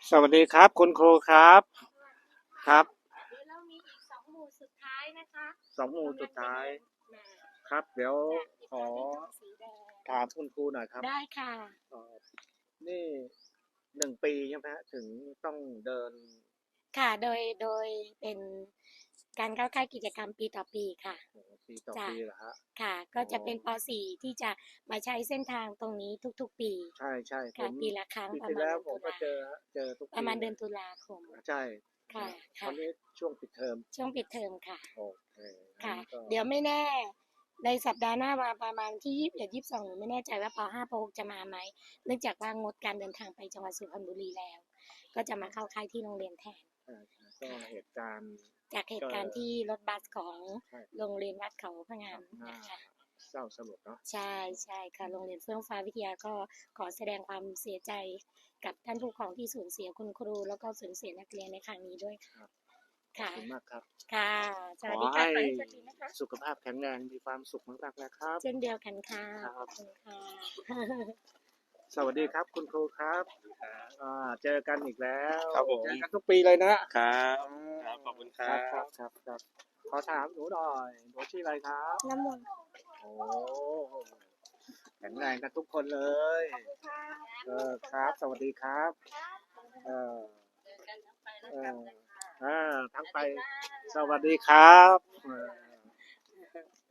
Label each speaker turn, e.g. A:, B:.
A: สวัสดีครับคุณครูครับครับ
B: เดี๋ยวเรามีอีก2 หมู่สุดท้ายนะคะ
A: 2 หมู่สุดท้ายครับเดี๋ยวขอถามคุณครูหน่อยครับ
B: ได้ค่ะ
A: เอ่อนี่1 ปีใช่ไหมฮะถึงต้องเดิน
B: ค่ะโดยเป็นการเข้าค่ายกิจกรรมปีต่อปีค่ะ
A: ปีต่อ
B: จ้ะ
A: ปีเหรอฮะ
B: ค่ะก็
A: อ๋อ
B: จะเป็นป .4 ที่จะมาใช้เส้นทางตรงนี้ทุกๆปี
A: ใช่ใช่ผ
B: ค่ะ
A: ม
B: ปีละครั้ง
A: ปี
B: ประ
A: ที่แล้วผม
B: มาณเดือนตุลา
A: ก็เจอฮะเจอทุก
B: ประมาณเดือน
A: ปีเลย
B: ตุลาคม
A: ใช่
B: ค่ะ
A: ตอน
B: ค่ะ
A: นี้ช่วงปิดเทอม
B: ช่วงปิดเทอมค่ะ
A: โอเคงั้น
B: ค่ะ
A: ก็
B: เดี๋ยวไม่แน่ในสัปดาห์หน้ามาประมาณที่21 22หนูไม่แน่ใจว่าป .5 ป .6 จะมาไหมเนื่องจากว่างดการเดินทางไปจังหวัดสุพรรณบุรีแล้วก็จะมาเข้าค่ายที่โรงเรียนแทน
A: ก็เหตุการณ์
B: จากเห
A: ก็
B: ตุการณ์ที่รถบัสของ
A: ใช่
B: โรงเรียนวัดเขาพะ
A: ค
B: งาม
A: รับน่า
B: นะคะ
A: เศร้าสลดเนาะ
B: ใช่ใช่ค่ะโรงเรียนเฟื่องฟ้าวิทยาก็ขอแสดงความเสียใจกับท่านผู้ปกครองที่สูญเสียคุณครูแล้วก็สูญเสียนักเรียนในครั้งนี้ด้วยค่ะ
A: ขอบ
B: ค่ะ
A: คุณมากครับ
B: ค่ะส
A: ขอ
B: วัสดีค่ะ
A: ให้
B: ขอให้โชคดีนะคะ
A: สุขภาพแข็งแรงมีความสุขมากๆนะครับ
B: เช่นเดียวกันค่ะ
A: ครั
B: ขอบคุณค่ะ
A: สวัสดีครับคุณครูครับเจอกันอีกแล้ว
C: ครับผม
A: เจอกันทุกปีเลยนะครับอืม
C: ครับขอบคุณค
A: ค
C: รั
A: รับ
C: บ
A: ครับขอถามหนูหน่อยหนูชื่ออะไรครับ
B: น้ำมนต์
A: โอ้แข็งแรงกันทุกคนเลย ครับ สวัสดีครับเออเออทั้งไปสวัสดีครับ